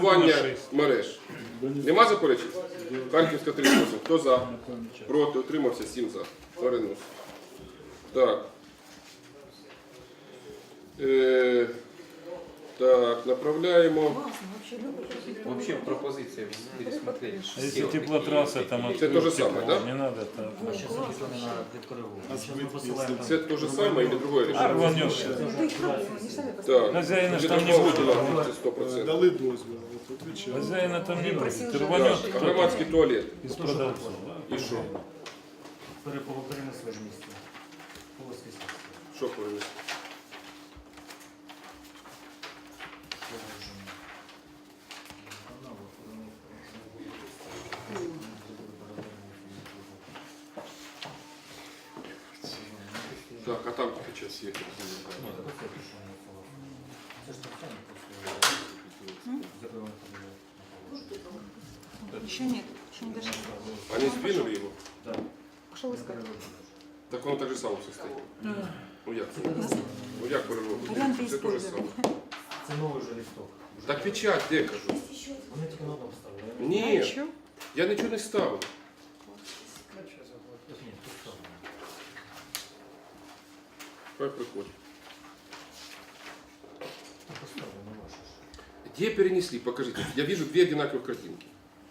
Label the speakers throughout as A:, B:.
A: облаштування мереж. Нема заперечень? Харківська 38. Хто за? Проти, утримався, 7 за. Перенос. Так. Так, направляємо.
B: Вообще пропозиция пересмотреть.
C: Если теплотрасса там
A: Это то же самое, да?
C: Не надо так.
A: Це те же самое или другое
C: А
A: решение?
C: рванешь.
A: Так.
C: Хозяина ж там не будет.
A: 100%.
D: Дали дозвіл, от відвічаю.
C: Хозяина там не будет. Ты рванешь
A: Так, громадський туалет.
C: из продавцов.
A: І що?
E: Перенесли ж місце. Полоський сад.
A: Що перенести? Так, а там сейчас є.
F: Еще нет, еще не дошли.
A: Они сдвинули его?
F: Пошел искать.
A: Так воно так же само состоит. Ну як це? Ну як переробити?
F: Варіанти
A: Це те же
F: использовали.
A: саме.
E: Це новий вже лісток.
A: Так печать, де кажу?
E: Вони тільки на одному ставили.
A: Ні,
F: Еще?
A: я нічого не ставив.
E: Ні, тут ставили.
A: Хай приходить.
E: Тут поставили на ваше ж.
A: Где перенесли? Покажите. Я вижу две одинаковых картинки.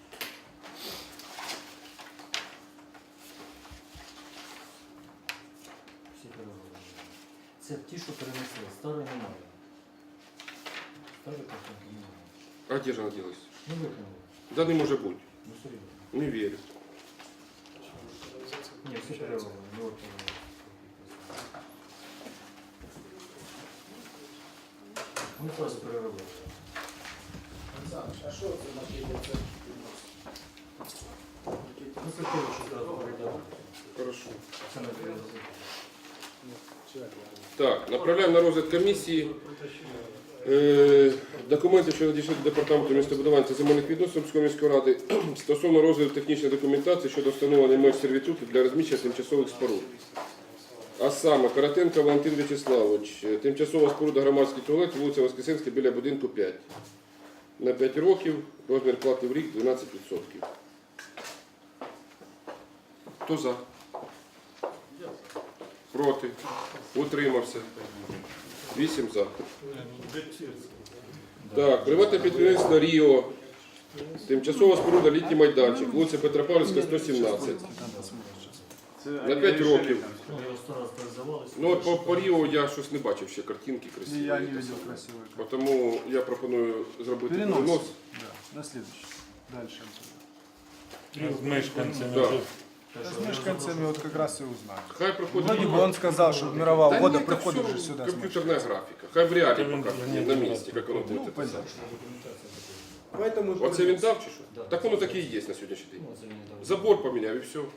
E: Всі переробили. Це ті, що перенесли. Старої немає. Старої картинки немає.
A: А где же она делась?
E: Ну викинули.
A: Да не может быть.
E: Ну серйозно.
A: Не верю.
E: Ні, всі переробили. Ну, от, Ми просто переробили.
D: А що це на це?
E: Ну це те, що зразу передали.
A: Хорошо.
E: Це не переробили.
A: Так, направляємо на розгляд комісії документи, що надійшли до департаменту містобудування та земельних відносин Сумської міської ради стосовно розгляду технічної документації щодо встановлення меж сервітуту для розміщення тимчасових споруд. А саме Коротенко Валентин Вячеславович, тимчасова споруда громадський туалет, вулиця Воскресенська біля будинку 5. На 5 років, розмір плати в рік 12%. Хто за? Проти? Утримався? 8 за. Так, приватне підприємство Ріо. Тимчасова споруда літній майданчик, вулиця Петропавлівська, 117. На 5 років.
E: Ну, його 100 раз перезавалися.
A: Ну, от по Ріо я щось не бачив ще картинки красиві.
D: Я не видел красивой.
A: Тому я пропоную зробити
D: Перенос.
A: перенос.
D: Да, на следующий. Дальше.
C: С мешканцами
A: Да.
C: уже.
D: С мешканцами вот как раз и узнали.
A: Хай проходить.
D: Вроде бы он сказал, что мировая
A: Да
D: угода
A: нет, это
D: приходит
A: всё
D: же сюда. с
A: компьютерная графика. Хай в реале
C: Там
A: покажет
C: нет
A: на
C: разницы.
A: месте, как оно
D: Ну,
A: будет.
D: понятно.
E: Поэтому...
A: Оце він дав чи що?
E: Да.
A: Так воно таке і є на сьогоднішній день.
E: Ну, це він дав.
A: Забор поміняв і все.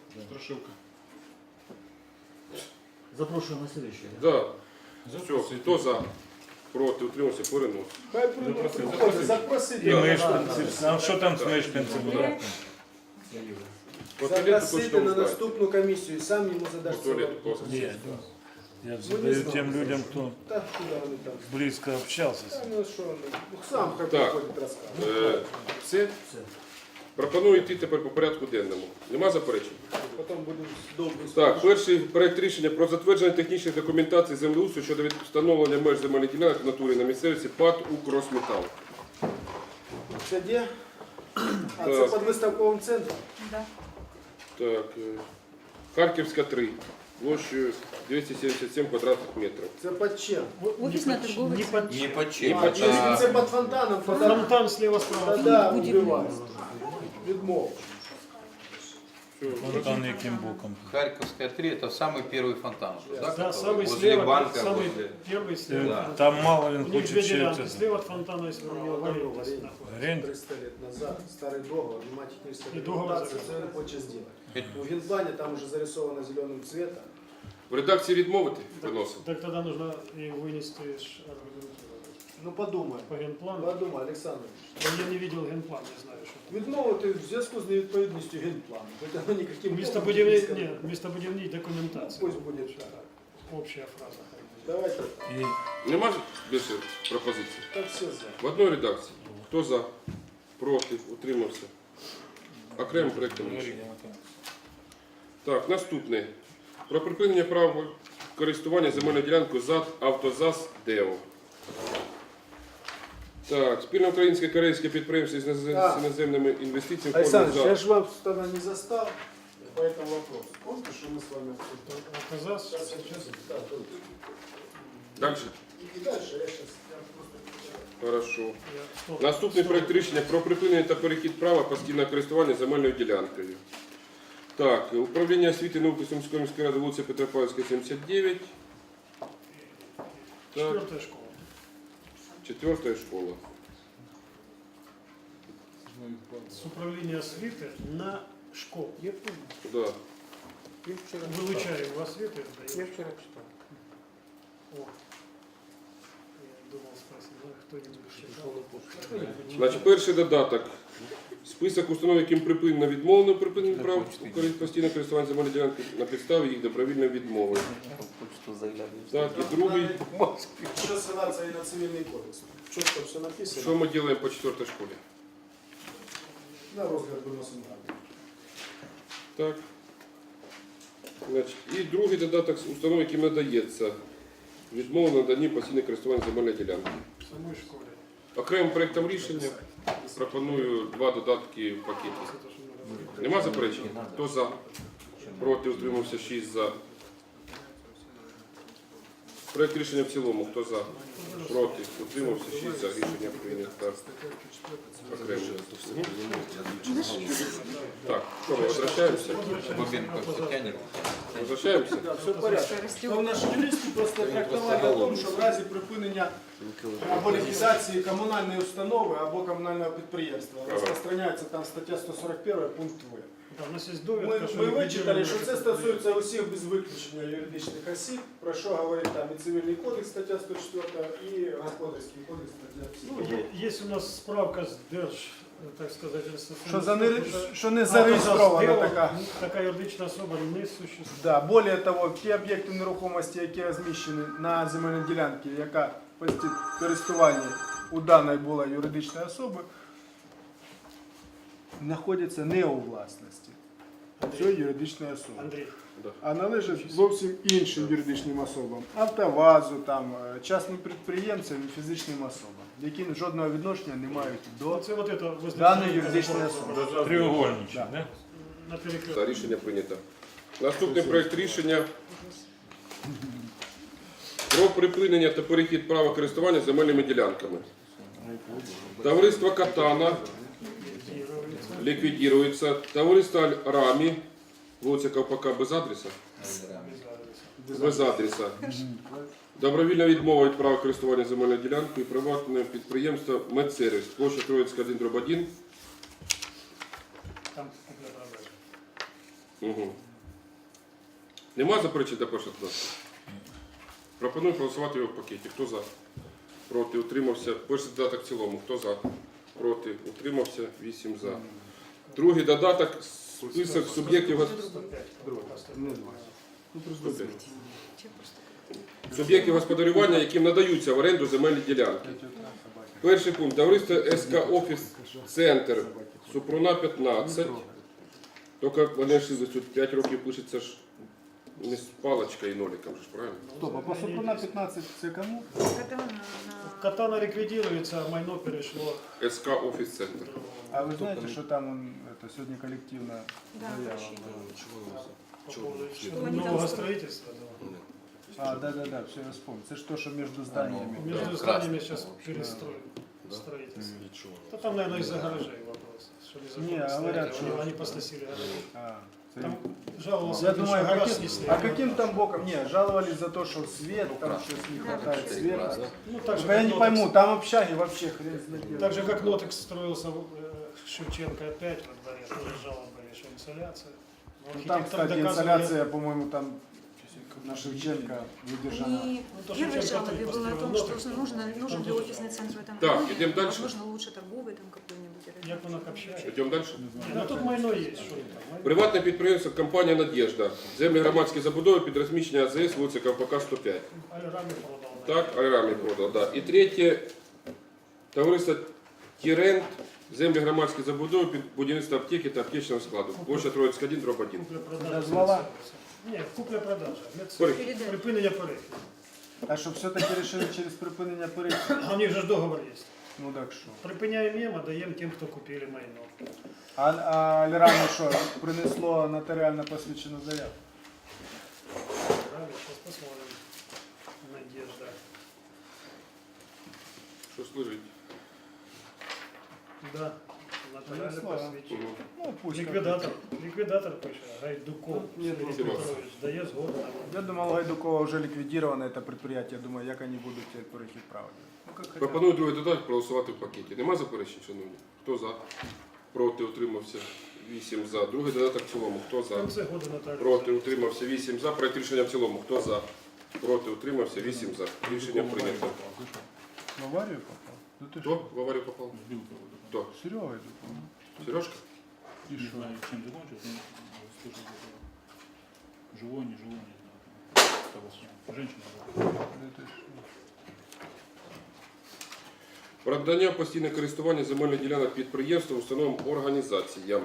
E: Запрошую на следующий.
A: Да. Все, хто за? Проти, утримався, перенос.
D: Хай приходит, запросить.
C: И мешканцы. А что там с мешканцами?
A: По туалету точно
G: Запросити на
A: узнаєте.
G: наступну комісію, і сам йому
A: По
G: задаш
A: туалету просто.
C: Нет. Я задаю тем людям, кто
G: Так, куди вони там?
C: близко общался с
G: Та
C: ним.
G: ну що вони? Ну, сам хай
A: Так.
G: приходить розказує.
A: Все? Пропоную йти тепер по порядку денному. Нема заперечень?
G: Потім будемо довго
A: Так, перший проект рішення про затвердження технічної документації землеустрою щодо встановлення меж земельних ділянок в натурі на місцевості ПАТ «Укросметал».
G: Це де? А
A: Так.
G: це під виставковим центром?
F: Да.
A: Так, Харківська 3, площею 277 квадратних метрів.
G: Це під чим?
F: Офисно-торговый центр.
B: Не по
A: Не
B: чем.
A: по
G: А, якщо це під фонтаном, то
D: Фонтан слева справа.
G: тоді вбивають. Відмов.
C: Фонтан яким боком.
B: Харьковская 3 это самый первый фонтан. Да,
D: Да,
B: который
D: самый
B: возле
D: слева,
B: банка.
D: самый
B: возле...
D: первый слева.
B: Да.
C: Там мало ли
D: У них
C: хочет
D: две делянки.
C: чего-то.
D: Слева от фонтана, если у него валить.
C: Аренда.
G: 300 лет назад, старый договор, нема технической
D: И договор
G: документации,
D: закрыт.
G: це він хоче зробити. У генплане там уже зарисовано зеленым цветом.
A: В редакції відмовити виносимо.
D: Так тогда нужно и вынести аргументировать.
G: Ну подумай,
D: По генплану.
G: подумай, Олександр.
D: Я не видел генплан, не знаю, что там.
G: Відмовити в зв'язку з невідповідністю генплану. Хоча воно ніяким
D: Местобудівній документації.
G: Пусть буде так.
D: Общая фраза.
G: Давайте,
C: И
A: Нема ж більше пропозицій?
G: так все за.
A: В одній редакції. Хто за? Проти, утримався. Окремим проєктом рішення. Так, наступне. Про припинення права користування земельною ділянкою ЗАД «Автозас ДЕО». Так, спільно українсько-корейське підприємство з іноземними інвестиціями.
G: Александр,
A: форму
G: я
A: ЗАД.
G: же вас тогда не застал, поэтому вопрос. Помните, что мы с вами обсуждали?
D: Автозас сейчас.
A: Дальше?
G: И дальше я сейчас...
A: Хорошо.
D: Я- стоп,
A: Наступний
D: стоп.
A: проект рішення про припинення та перехід права постійного користування земельною ділянкою. Так, управління освіти і науки Сумської міської ради, вулиця Петропавлівська, 79. Так,
D: 4-я школа.
A: 4-я школа.
D: С управління освіти на школу.
G: Я помню.
A: Да.
D: Вилучаю у освіти.
G: Я вчера читал.
D: О. Я думал спросить, ну, кто-нибудь читал?
A: Значить, перший додаток. Список установ, яким припинено відмовлено припинення прав постійного користування земельної ділянки на підставі їх добровільної відмови. Так, і другий.
G: Еще ссылаться и на цивильный кодекс. Четко все написано.
A: Що ми робимо по 4-й школі?
G: На розгляд выносим.
A: Так. Значить, і другий додаток з установ, яким надається відмова на наданні постійного користування земельної ділянки.
D: В самой школе.
A: Окремим проєктом рішення пропоную два додатки в пакеті.
D: Это то, что мы говорили.
A: Нема заперечень? Хто за? Проти, утримався 6 за. Проєкт рішення в цілому. Хто за? Проти, утримався 6 за. Рішення прийнято. Окремо. Так, що ми возвращаємося?
B: Бабенко все тянет.
A: Возвращаємося?
G: Да, все в порядке. То наші юристи просто трактували о тому, що в разі припинення або ліквідації комунальної установи або комунального підприємства розпространяється там стаття 141 пункт В.
D: Да, у нас есть
G: Ми,
D: довідка, що
G: ми вичитали,
D: ліквідовано-
G: що це стосується усіх без виключення юридичних осіб, про що говорить там і Цивільний кодекс, стаття 104, і Господарський кодекс, стаття
D: Ну,
G: 50.
D: есть у нас справка з Держ, так сказати,
G: Що не зареєстрована така.
D: Така юридична особа не существує.
G: Да, более того, ті об'єкти нерухомості, які розміщені на земельній ділянці, яка в користуванні у даної була юридичної особи, знаходяться не у власності цієї юридичної особи,
D: Андрій,
G: а належать зовсім іншим юридичним особам, Автовазу, там, частним підприємцям і фізичним особам, які жодного відношення не мають до
D: оце вот это возле
G: даної юридичної особи.
C: Треугольничек,
G: Да.
C: да?
D: на перекрестку.
A: За рішення прийнято. Наступний проєкт рішення про припинення та перехід права користування земельними ділянками. Товариство Катана ліквідується. Товариство Рамі, вулиця Ковпака без адреса. Без адреса. Добровільна відмова від права користування земельною ділянкою і приватне підприємство Медсервіс. Площа Троїцька 1/1.
D: Там купля-продажа.
A: Угу. Нема заперечень до першого класу? Пропоную голосувати його в пакеті. Хто за? Проти, утримався. Перший додаток в цілому. Хто за? Проти, утримався. 8 за. Другий додаток. Список суб'єктів суб'єктів господарювання, яким надаються в оренду земельні ділянки. Перший пункт. Товариство СК Офіс Центр. Супруна 15. Тільки вони ж тут 5 років пишеться ж не з паличкою і ноликом, ж правильно?
G: Стоп, а по Супруна 15 це кому?
F: Это на-
D: Катана ликвидируется, а майно перешло.
A: СК Офіс Центр.
G: А ви знаєте, що там сьогодні колективна
F: Да,
G: заява
F: обращение.
G: була?
D: По поводу
F: Что они там
D: нового
F: строят?
D: строительства. Да.
G: А, да, все, я вспомнил. Это ж то, что между зданиями.
D: Между
B: Да,
D: зданиями
B: красный.
D: сейчас перестроят строительство. Да там, наверное, из-за гаражей вопрос. Что
G: Не,
D: незаконно стоят,
G: говорят,
D: они-
G: что-
D: Они посносили гаражи.
G: А,
D: Там жаловался,
G: я
D: на то,
G: думаю,
D: что гараж
G: каким,
D: снесли.
G: а каким там боком? Не, жаловались за то, что свет, там что-то не хватает света.
D: Ну, так же,
G: Я
D: как
G: не
D: Нотекс-
G: пойму, там общаги вообще хрен знает.
D: Так же, как Нотекс строился Шевченко опять во дворе, тоже жалобы были, что инсоляция. Но
G: Ну, там,
D: архитектор
G: кстати,
D: доказывал,
G: инсоляция, по-моему, там на Шевченко выдержана.
F: И
D: Ну, то,
F: в
D: что
F: первой
D: Шевченко
F: жалобе было о том,
D: построил
F: что
D: Нотекс,
F: нужен ли офисный центр в этом
A: Так,
F: районе,
A: идем дальше.
F: возможно, лучше торговый там какой-нибудь. или
D: Як
F: там
D: воно
F: еще
D: общається?
F: что-то.
A: Йдемо далі.
D: Ну тут майно є, що там. майно.
A: Приватне підприємство компанія Надєжда. Землі громадські забудови під розміщення АЗС, вулиця Ковпака 105.
D: Альрамі продав.
A: Так, Альрамі продав, да. І третє, товариство Тірент Землі громадської забудови під будівництво аптеки та аптечного складу. Площа Троїцька 1, дроб 1.
D: Купля-продажа.
G: Дозвола?
D: Ні, купля-продажа.
A: Перехід.
F: Передача.
D: Припинення перехід.
G: А що все-таки вирішили через припинення перехід?
D: А у них же ж договор є.
G: Ну так що.
D: Припиняємо їм, а даємо тим, хто купили майно.
G: А Лірано що, принесло нотаріально посвідчену заяву?
D: Правильно, сейчас посмотрим. Надежда.
A: Що служить?
D: Да, нотариально
G: Принесло.
D: посвідчено.
G: Ну, пусть.
D: Ліквідатор пише, Гайдуков
G: Нет,
D: Сергій
A: Серйозно.
D: Петрович, дає згоду.
G: Я думал, Гайдукова уже ликвидировано это предприятие. Я думаю, як они будуть теперь перехід правити. Ну, как хотят.
A: Пропоную другий додаток проголосувати в пакеті. Нема заперечень, шановні? Хто за? Проти, утримався. 8 за. Другий додаток в цілому. Хто
D: В
A: за?
D: кінці году нотаріус.
A: Проти, утримався. 8 за. Проект рішення в цілому. Хто за? Проти, утримався. 8 за. Рішення прийнято.
G: В аварию попал? Ну ты
A: Хто
G: что?
A: в аварію попав? Хто?
G: Серега Гайдуков.
A: Сережка?
C: Не знаю, чем закончилось, но слышал, что живой, не живой, не знаю. Того самого. Женщина была.
G: Да ты что?
A: Про надання постійного користування земельних ділянок підприємствам, установам, організаціям.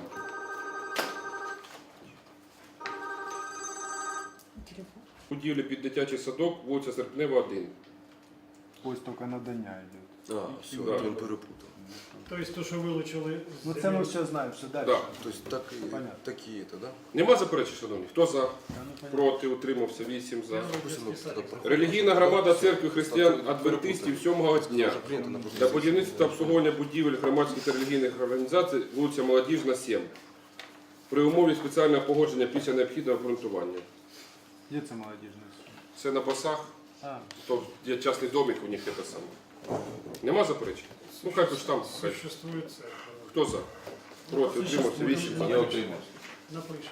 A: Будівлі під дитячий садок, вулиця Серпнева, 1.
G: Пусть только надання идет.
H: А, все,
A: Да.
H: он перепутал.
D: Тобто, то, що вилучили з
G: Ну це
D: земель.
G: ми все знаємо, що далі.
A: Да.
H: То есть так и
G: Понятно.
H: такие это, да?
A: Нема заперечень, шановні? Хто за?
G: Та ну, понятно.
A: Проти, утримався, 8 за.
H: Пусть оно тогда проходит.
A: Релігійна громада церкви християн-адвентистів 7-го дня.
H: Уже принято на
A: Для будівництва та обслуговування будівель громадських та релігійних організацій вулиця Молодіжна, 7. При умові спеціального погодження після необхідного обґрунтування.
G: Де це молодіжний суд?
A: Це на басах,
G: А,
A: то є частний домик у них це саме. Нема заперечень? Ну хай хоч там. Хай.
D: Существує церква.
A: Хто за? Проти, утримався, 8
B: Я
A: за.
B: утримался.
D: Напишемо.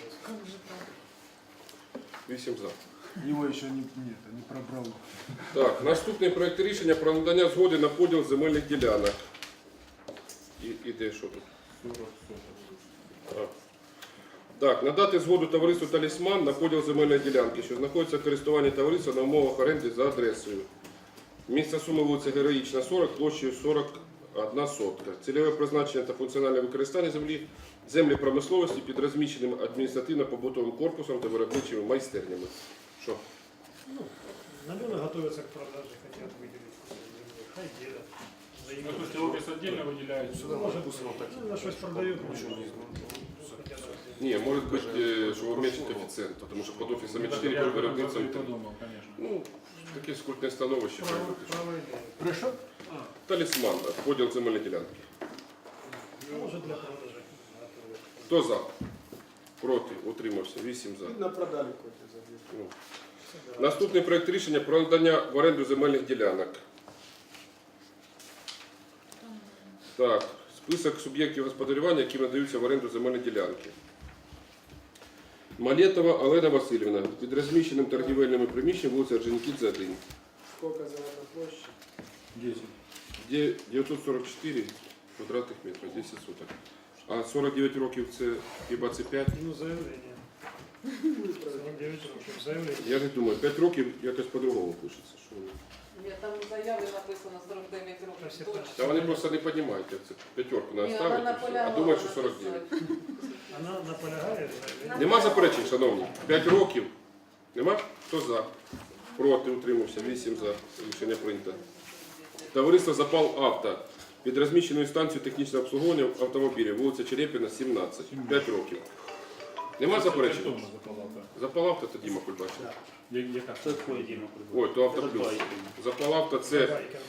A: 8 за.
G: його ще не пробрало.
A: Так, наступний проект рішення про надання згоди на поділ земельних ділянок. І де що тут? А. Так, надати згоду товариству «Талісман» на поділ земельної ділянки, що знаходиться в користуванні товариства на умовах оренди за адресою. Місце суми вулиця Героїчна, 40, площею 41 сотка. Цільове призначення та функціональне використання землі промисловості під розміщеним адміністративно-побутовим корпусом та виробничими майстернями. Що?
D: Наверное, готовятся к продаже, хотят выделить землю. Хай делят.
C: Ну, то есть офис отдельно выделяют.
D: Ну, может, на щось продають.
A: Ні, може бути, що уменьшить коефіцієнт, тому що під офісами 4, під виробництвом 3.
C: подумал, конечно.
A: Ну, таке скульптне становище.
D: Право ідея.
G: Прийшов?
A: Талісман, так, поділ земельної ділянки.
D: Може для продажі. готові.
A: Хто за? Проти, утримався, 8 за.
G: На продалі коті заб'ють.
A: Ну. Наступний проект рішення про надання в оренду земельних ділянок. Так, список суб'єктів господарювання, які надаються в оренду земельні ділянки. Малєтова Олена Васильівна, під розміщеним торгівельними приміщенням вулиця Орджонікідзе, 1.
G: Скільки земельна площа?
C: 10.
A: 944 квадратних метрів, 10 соток. А 49 років це хіба це 5?
D: Ну, заявлення. 49 років заявлення.
A: Я не думаю, 5 років якось по-другому пишеться. Що вони.
I: Ні, там в заяві написано 49 років точно.
A: Та вони просто не розуміють, як це п'ятерку
I: Ні,
A: треба
I: вона
A: ставити,
I: наполягала
A: а думають, що 49.
I: написати.
D: Вона наполягає заявлення.
A: Нема заперечень, шановні? 5 років. Нема? Хто за? Проти, утримався, 8 за. Рішення прийнято. Товариство «Запал Авто» під розміщеною станцією технічного обслуговування автомобілів, вулиця Черепіна, 17. 5 років. Нема заперечень?
C: Хто запалав-то?
A: «Запал Авто» – це Діма Кульбач.
C: Яка?
A: Ой, то «Автоплюс». «Запал Авто» – це
D: Забайка.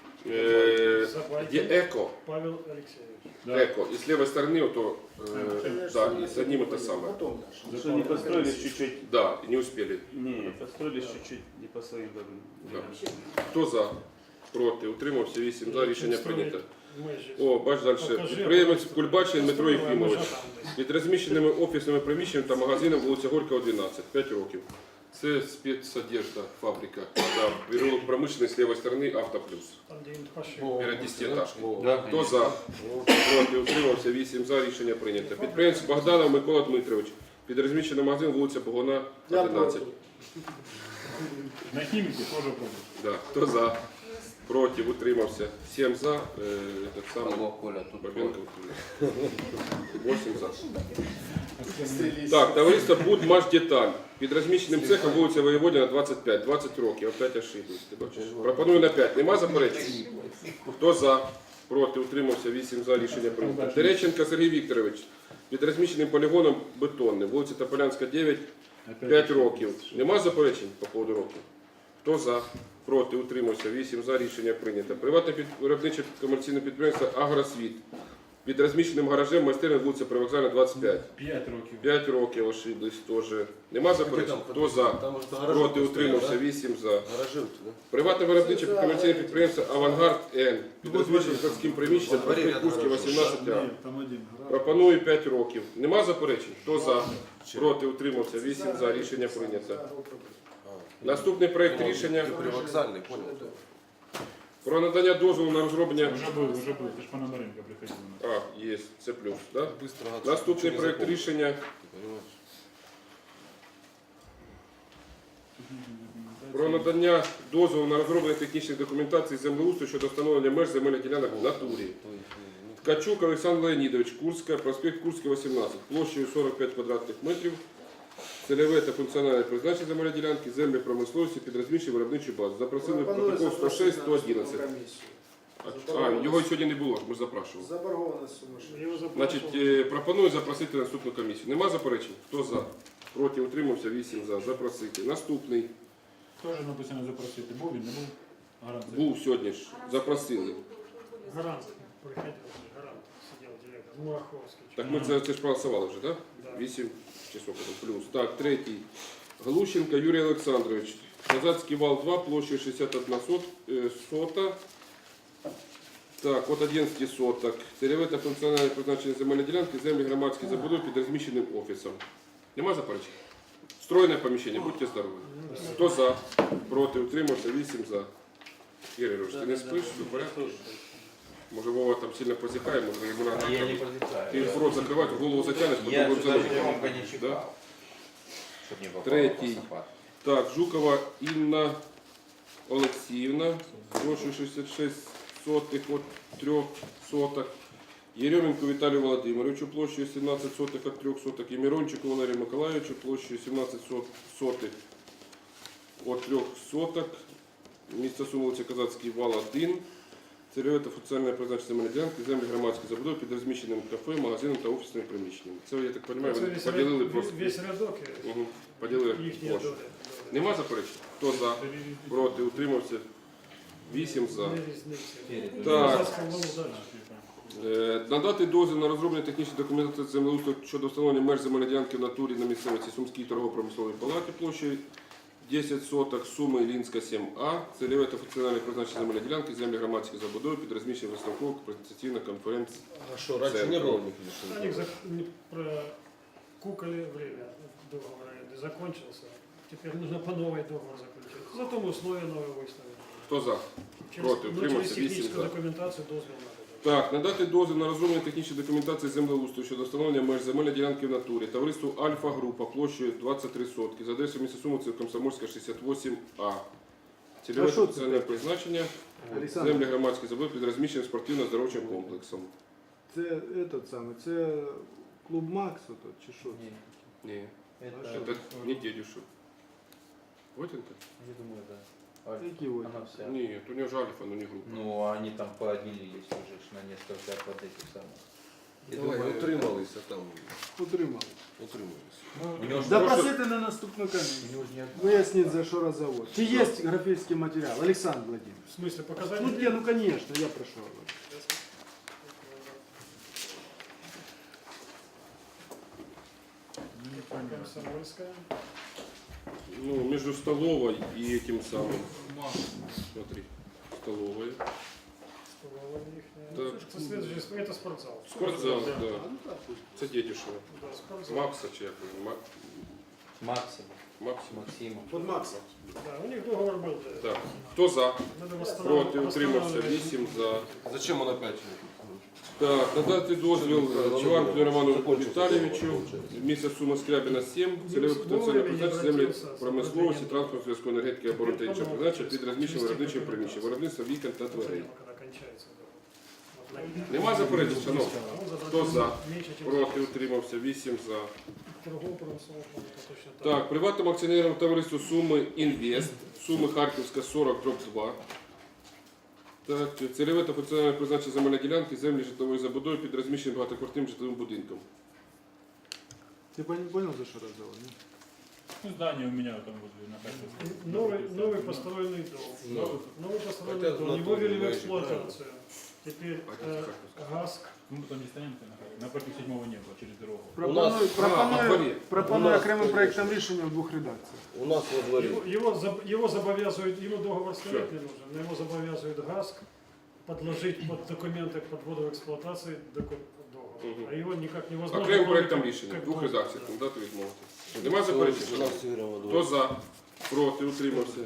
A: є «Еко».
D: Павел Олексійович.
C: Да.
A: Эко. И с левой стороны, вот, да, и с одним это самое.
J: Что не построились чуть-чуть?
A: Да, и не успели.
J: Не, построились чуть-чуть не по своим годам.
A: Да. Хто за? Проти, утримався, 8 за, рішення прийнято.
D: Межі.
A: О, бач далі.
D: Покажи,
A: Підприємець
D: а
A: Кульбачин Дмитро
D: Построїла,
A: Єфімович.
D: може, там десь.
A: Під розміщеними офісними приміщеннями та магазином вулиця Горького, 12. 5 років. Це спецодежда, фабрика. Да. Переулок промишлений з лівої сторони, Автоплюс.
D: Там, де він пошив.
A: Перед 10-етажкою.
B: Да,
A: Хто за? Проти, утримався, 8 за, рішення прийнято. Підприємець Богданов Микола Дмитрович. Під розміщеним магазин вулиця Богуна, 11.
C: На хіміки теж пробують.
A: Да. Хто за? проти, утримався, 7 за, так само,
B: Алло, Коля, тут
A: Бабенко утримався. 8 за. Так, товариство «Будмашдеталь». Під розміщеним цехом вулиця Воєводіна, 25, 20 років, опять ошиблись, ти бачиш. Пропоную на 5. Нема заперечень? Хто за? Проти, утримався, 8 за, рішення прийнято. Терещенко Сергій Вікторович. Під розміщеним полігоном бетонним, вулиця Тополянська, 9, 5 років. Нема заперечень по поводу років? Хто за? Проти, утримався, 8 за, рішення прийнято. Приватне виробниче комерційне підприємство «Агросвіт». Під розміщеним гаражем майстерня вулиця Привокзальна, 25.
C: 5 років.
A: 5 років ошиблись теж. Нема заперечень? Хто за? Проти, утримався, 8 за.
H: Гаражи, да?
A: Приватне виробниче комерційне підприємство «Авангард Н». Під розміщеним складським приміщенням проспект Курський, 18А.
C: Ні, там один.
A: Пропоную 5 років. Нема заперечень? Хто за? Проти, утримався, 8 за. Рішення прийнято. Наступний проект рішення
H: Привокзальний, понял?
A: про надання дозволу на розроблення...
C: Вже був. Ти ж пана Маренка приходив.
A: А, є, це плюс, так?
H: Быстро гаджет.
A: Наступний
H: Нічого не
A: проект
H: запомнив.
A: рішення
H: Ти понимаєш?
A: про надання дозволу на розроблення технічних документацій землеустрою щодо встановлення меж земельних ділянок в натурі. Ткачук Олександр Леонідович, Курська, проспект Курський, 18, площею 45 квадратних метрів, цільове та функціональне призначення земельної ділянки, землі промисловості під розміщенням виробничої бази. Запросили протокол 106, 111. А, його сьогодні не було, ми запрашували.
G: Заборгованность сумасшедшая.
D: Его запрашивал.
A: Значить, пропоную запросити наступну комісію. Нема заперечень? Хто за? Проти, утримався, 8 за. Запросити. Наступний.
C: Теж написано запросити. Був він, не був? Гарант.
A: Був сьогодні ж. Запросили.
D: Гарант приходил, гарант сидел директор, Мураховский.
A: Так ми це ж проголосували вже, так?
D: Да.
A: 8 часов плюс. Так, третій. Глущенко Юрій Олександрович. Казацький вал 2, площею 61 сота. Так, от 11 соток. Цільове та функціональне призначення земельної ділянки, землі громадські забудови під розміщеним офісом. Нема заперечень? Стройне поміщення, будьте здорові. Хто за? Проти, утримався, 8 за. Ігор Ігорович, ти не спиш? Все в порядку? Може Вова там сильно позіхає, може йому
B: Я
A: треба.
B: не позитаю.
A: Ти рот закривати, голову затягнеш,
B: Я
A: потім
B: же даже
A: будемо
B: громко не
A: Да?
B: чекал. Чтоб не попало
A: Третий.
B: в посыпать.
A: Так, Жукова Інна Олексіївна, площею 66 сотих от 3 соток. Єрьоменко Віталію Володимировичу, площею 17 сотих от 3 соток. І Мирончику Валерію Миколаївичу, площею 17 сотих от 3 соток. Місто Сум, вулиця Казацький вал 1. Цільове та функціональне призначення земельної ділянки, землі громадські забудови під розміщеним кафе, магазином та офісними приміщеннями. Це, я так розумію, вони поділили просто.
D: Весь рядок
A: Угу. Поділили
D: их не
A: площу.
D: доля.
A: Нема заперечень? Хто за? Проти, утримався? 8 за. Так. Надати дозвіл на розроблення технічної документації землеустрою щодо встановлення меж земельної ділянки в натурі на місцевості Сумській торгово-промисловій палаті площею 10 соток, Суми Іллінська 7А, цільове та функціональне призначення земельної ділянки, землі громадських забудови під розміщенням виставкових презентаційних конференцій.
H: А что, раньше не было у них или
D: Они
H: что?
D: прокукали время, договор аренды закончился. Теперь нужно по новой договор заключить. Зато мы условия новые выставили.
A: Хто за? Проти,
D: Через
A: утримався, 8
D: техническую
A: за.
D: документацию дозвол надо.
A: Так, надати дозвіл на розроблення технічної документації землеустрою щодо встановлення меж земельної ділянки в натурі. Товариству Альфа-група площею 23 сотки. За адресою міста Суми, це Комсомольська 68А. Цільове функціональне призначення. Землі громадські забудови під розміщеним спортивно-здоровчим комплексом.
G: Це этот самый, це клуб Макс тут, чи що?
A: Ні,
B: Это,
A: це не дедюшев. Вотенко?
B: я думаю, да. Альфа.
G: Які ось?
B: Она вся.
A: Ні, у нього ж Альфа, но не група.
B: Ну, они там поделились уже ж на несколько вот этих самых. Я
H: Давай,
B: думаю,
H: утрималися там.
G: Утримали.
H: Утрималися.
B: у него ж
G: Запросити на наступну
B: у
G: комісію.
B: него ж не одна.
G: Виясніть, за що розговор. Чи є графічний матеріал? Олександр Владимирович.
D: В смысле показать?
G: Ну, не, ну конечно, я прошу.
D: Комсомольская.
A: Ну, между столовой и этим самым. Смотри, столовая.
D: Столовая ихняя.
A: Так.
D: Это следующий, это спортзал.
A: Спортзал, да. Це дедюшево.
D: Да, спортзал.
A: Макса чи як він?
B: Максим.
A: Максим.
B: Максима.
G: Под Максом.
D: Да, у них договор был. Да.
A: Так. Хто за?
D: Надо
A: Проти, утримався,
D: восстанавливать.
A: 8 за.
H: Зачем он опять?
A: Так, надати дозвіл Чеванку Роману Віталійовичу, місяць сума Скрябіна 7, цільове потенціальне призначення землі промисловості, транспорту, зв'язку, енергетики, оборони та іншого призначення під розміщенням виробничого приміщення, виробництва вікон та дверей.
D: Когда кончается договор. Вот на-
A: Нема заперечень, шановні?
D: Ну,
A: Хто за?
D: меньше, чем
A: Проти, утримався, 8 за.
D: торгового промыслового фонда, точно так.
A: Так, приватному акціонерному товариству Суми Інвест, Суми Харківська 40/2. Так, цільове та функціональне призначення земельної ділянки, землі житлової забудови під розміщеним багатоквартирним житловим будинком.
G: Ты понял, за что разговор?
C: Ну, здание у меня там возле на Харьковской.
D: Новый построенный дом. Новый построенный
H: Хотя
D: дом.
H: на
D: Его
H: том
D: ввели в
H: не
D: эксплуатацию. Теперь ГАСК.
C: Ну, там не стоянка на Харьковской. Напротив 7-го неба, через дорогу.
H: У нас
G: Пропоную
H: У нас-
G: окремим проектом рішення в двох редакціях.
H: у нас во дворе.
D: Его забовязывают, ему договор ставить не нужен, но его забовязывает ГАСК подложить под документы подвода в эксплуатации договор.
A: Мгм.
D: А его никак невозможно.
A: Окремим
D: кроме
A: проектом
D: как-
A: рішення,
D: как
A: двох
D: дозвіл,
A: редакціях,
D: да.
A: дати відмовити. Нема заперечень,
H: У
A: шановні?
H: нас Игорь во
A: Хто
H: дворе.
A: за? Проти, утримався.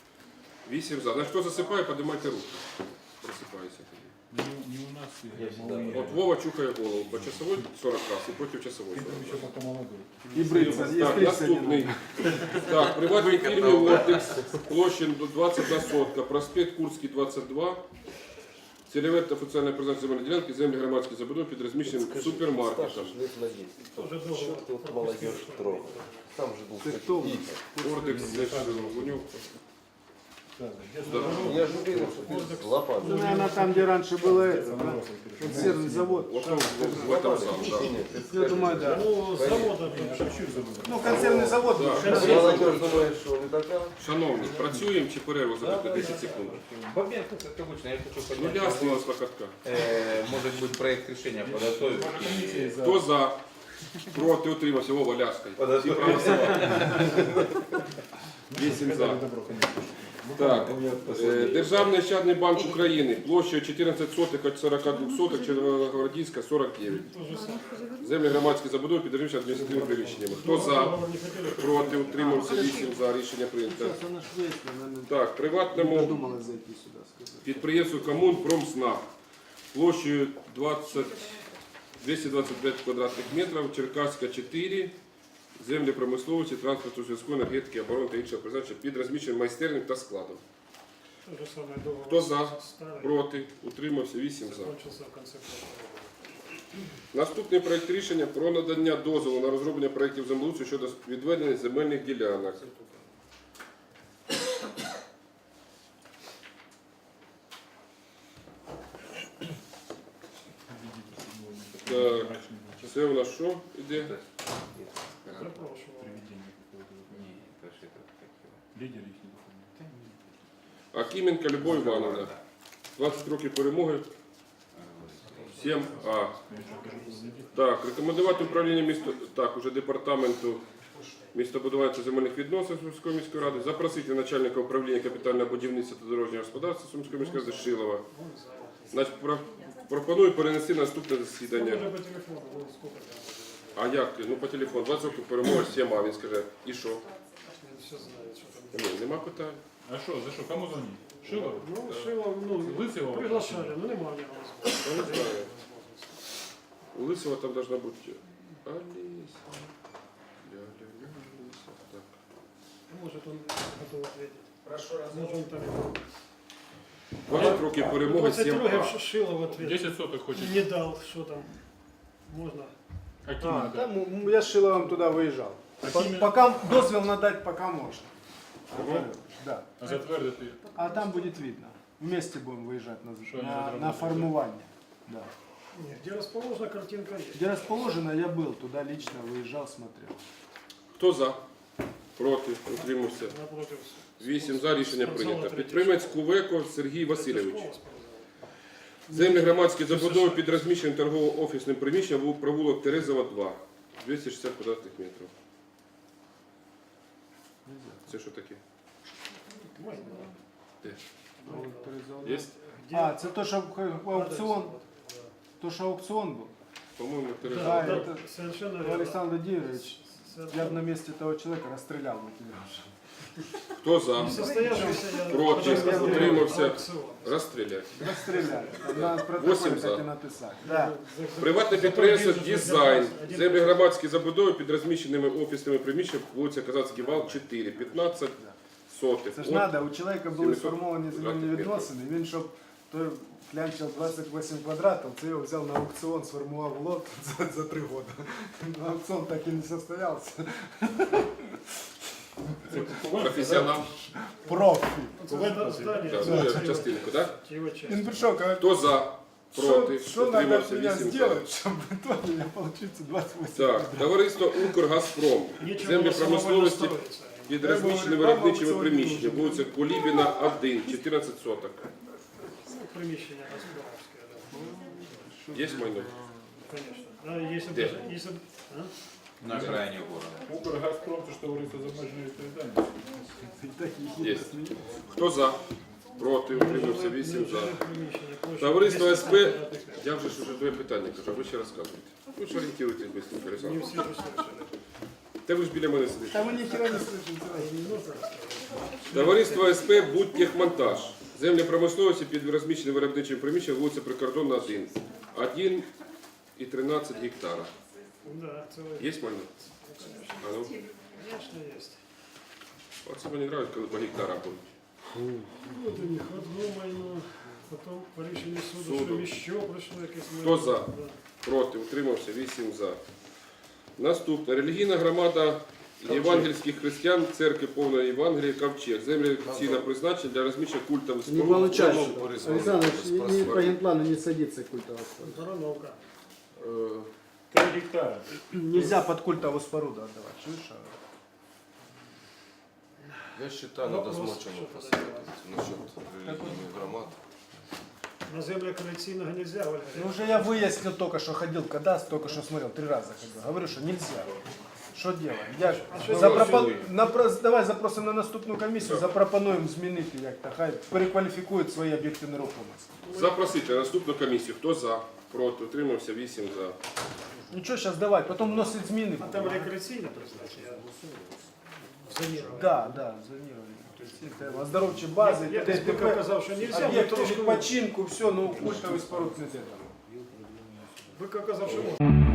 A: 8 за. Значить, хто засипає, піднімайте руки. Просипається тоді.
C: Не у нас,
H: Я
C: Игорь,
H: всегда
C: малые.
A: От Вова чухає голову. По часовой 40 раз і проти часовой
C: Ты
A: 40
C: там
A: раз.
C: еще пока молодой.
G: І бриться,
A: Так, наступний. Так, приватній фірмі «Ортекс», площа 21 сотка, проспект Курський, 22. Цільове та офіційне призначення земельної ділянки, землі громадської забудови під розміщеним супермаркетом.
H: Саша, лет на 10.
D: Тоже договор.
H: Что ты вот молодежь трогал? Там же был
G: Ты кто?
A: «Ортекс», Гунюк.
C: Да, да.
A: Да.
H: Я же уверен, что ты с лопатой.
G: Ну, наверное, там, где раньше было это, да? Консервный завод.
A: Вот он в этом самом, да.
G: Я думаю, да.
D: Ну, завода
G: Ну, консервный завод.
A: Да.
H: Молодежь думает, что не такая.
A: Шановні, працюємо чи перерву зробити 10 секунд?
B: Бабенко, как обычно, я хочу
A: Ну,
B: поднять.
A: ясно, у нас локотка.
B: Может быть, проект решения подготовить.
A: Хто за? Проти, утримався. Вова, ляскай.
B: Подготовить.
A: 8 за. Так, Державний ощадний банк України, площа 14 сотих від 42 сотих, Червоногвардійська, 49. Землі громадські забудови під розміщеними адміністративними приміщеннями. Хто за? Проти, утримався, 8 за. Рішення прийнято.
G: Сейчас она ж выяснила, наверное,
A: Так, приватному
G: думала зайти сюда, сказать.
A: підприємству Комунпромснаб площею 225 квадратних метрів, Черкаська 4, землі промисловості, транспорту, зв'язку, енергетики, оборони та іншого призначення під розміщеним майстерням та складом.
D: То же самое договор.
A: Хто за?
D: Старый.
A: Проти, утримався, 8 за.
D: Закончился в конце прошлого года.
A: Наступний проект рішення про надання дозволу на розроблення проєктів землеустрою щодо відведення земельних ділянок. Так, це у нас що іде?
D: Запрошивал.
C: Привидение какое-то.
B: Не, это же это как его.
C: Лидер их не выходит.
A: Акименка Любов Івановна. 20 років перемоги. 7А. Так, рекомендувати управління місто, так, уже департаменту містобудування та земельних відносин Сумської міської ради, запросити начальника управління капітального будівництва та дорожнього господарства Сумської міської ради Шилова. Значить, пропоную перенести на наступне
D: Ну,
A: засідання.
D: уже по телефону, ну, сколько там.
A: А як? Ну по телефону, 20 років перемоги, 7А, він скаже, і що?
D: Все знают, что там.
A: Ні, нема питань.
C: А что, за что? Кому звонить? Шилов?
D: Ну, Шилов, ну,
C: Лысого?
D: приглашали, ну, нема у него
A: Я не знаю.
D: возможности.
A: У Лысого там должна бути Алиса. Ля-ля-ля, Алиса. Так.
D: Может, он готов ответить.
G: Прошу
D: Может, он там...
A: 20 років перемоги,
D: 20
A: 7А.
D: років Шилов ответ
C: 10 соток хочет.
D: не дал, что там можно.
C: Каким
G: А,
C: надо?
G: там я с Шиловым туда выезжал.
C: Какими?
G: Пока дозвел надать, пока можно.
A: Ага.
G: Да.
C: А затвердити?
G: А там будет видно. Вместе будем выезжать
C: Что они
G: на
C: разработали?
G: формирование. Да.
D: Не, где расположена картинка есть.
G: Где расположено, я был, туда лично выезжал, смотрел.
A: Хто за? Проти, утримався.
D: Напротив.
A: 8 за, рішення
D: Спортзала
A: прийнято.
D: третій.
A: Підприємець Кувеко Сергій Васильович.
D: Школа спортзал.
A: Землі громадські забудови під розміщеним торгово-офісним приміщенням був провулок Терезова 2. 260 квадратних метрів. Це що таке?
D: Можно.
A: Де? Є?
D: Где?
G: А, это то, что аукцион,
D: Да.
G: то, что аукцион был.
A: По-моєму,
D: Да,
A: Терезова.
G: Да,
A: 2.
G: это
D: совершенно верно.
G: Александр Владимирович,
D: Совершенно
G: я бы на месте этого человека расстрелял бы тебя уже.
A: Хто за?
D: Несостоявшийся я
A: Проти,
D: подожди,
A: утримався.
D: аукціон.
A: Розстріляти.
G: Расстреляли. На
A: 8
G: протоколе
A: за.
G: так и написать. Да.
A: Приватне підприємство «Дизайн». Землі громадські забудови під розміщеними офісними приміщеннями, вулиця Казацький вал, 4, 15 сотих.
G: Це ж
A: От
G: треба, у чоловіка були
A: 700
G: сформовані земельні
A: квадратних
G: відносини, він щоб той клянчив 28 квадратів, це його взяв на аукціон, сформував лот за 3 роки. Аукціон так і не состоявся.
A: Професіонал.
G: Профі.
D: Це здання.
A: Так, ну, я частинку, так?
D: Його часть.
G: Він прийшов, каже,
A: Хто за? Проти,
G: що треба
A: утримався,
G: мене
A: 8 за.
G: зробити, щоб в итоге я получився 28
A: Так, товариство «Укргазпром».
D: Нічого
A: Землі
D: воно само
A: промисловості
D: не строїться.
A: під розміщеними виробничими приміщеннями, вулиця Кулібіна, 1, 14 соток.
D: Ну, приміщення господарське, да.
A: Є майно?
D: Конечно. А если
A: Где?
D: даже, если, а?
B: На окраине города.
C: Укргазпром, то що товариство з обмеженою відповідальністю.
A: Є. Хто за? Проти, утримався, 8 за.
D: Нежилых приміщення, площа
A: Товариство
D: 200
A: СП,
D: квадратних метрів.
A: я вже ж уже двоє питання кажу, а ви ще розказуєте. Ви ж орієнтуєтесь быстренько,
D: Не
A: Олександр.
D: всі ж слышали.
A: Та ви ж біля мене сидите.
G: Та ви ніхера не слышите.
A: Товариство СП «Будтехмонтаж». Землі промисловості під розміщеним виробничим приміщенням, вулиця Прикордонна, 1. 1,13 гектара.
D: Да, це
A: Є майно? А ну,
D: конечно есть.
A: оце мені подобається, коли по гектарах будуть.
D: Вот у них одно майно, потом по рішенню суду,
A: Суду.
D: що ще пройшло якесь
A: Хто за? Проти, утримався, 8 за. Наступне. Релігійна громада євангельських християн Церкви Повної Євангелії Ковчег. Землі офіційне призначення для розміщення культових
G: Не
A: споруд.
G: получается.
A: Прямо-
G: Александр, не по генплану не садится культовая споруда.
D: Барановка.
C: 3 гектара.
G: Нельзя под культовую споруду отдавать. Слышишь?
H: Я считаю, надо с Мочиным посоветоваться насчет религийных громад.
D: На землях колекційного нельзя, Ольга.
G: Ну уже я выяснил только что, ходил в кадастр, только что смотрел, 3 раза ходил. Говорю, что нельзя. Что делаем? Я ж давай запросимо на наступну комісію, запропонуємо змінити як-то, хай перекваліфікують свої об'єкти нерухомості.
A: Запросити на наступну комісію. Хто за? Проти, утримався, 8 за.
G: Нічого, зараз давай, потім вносить зміни.
D: А там рекреаційне призначення. Зонірування.
G: Да, зонірування. Оздоровчі бази,
D: Я тільки казав, що нельзя, ми
G: об'єкти
D: трошки...
G: відпочинку, все, ну культовий споруд не треба.
D: Ви казав, що можна.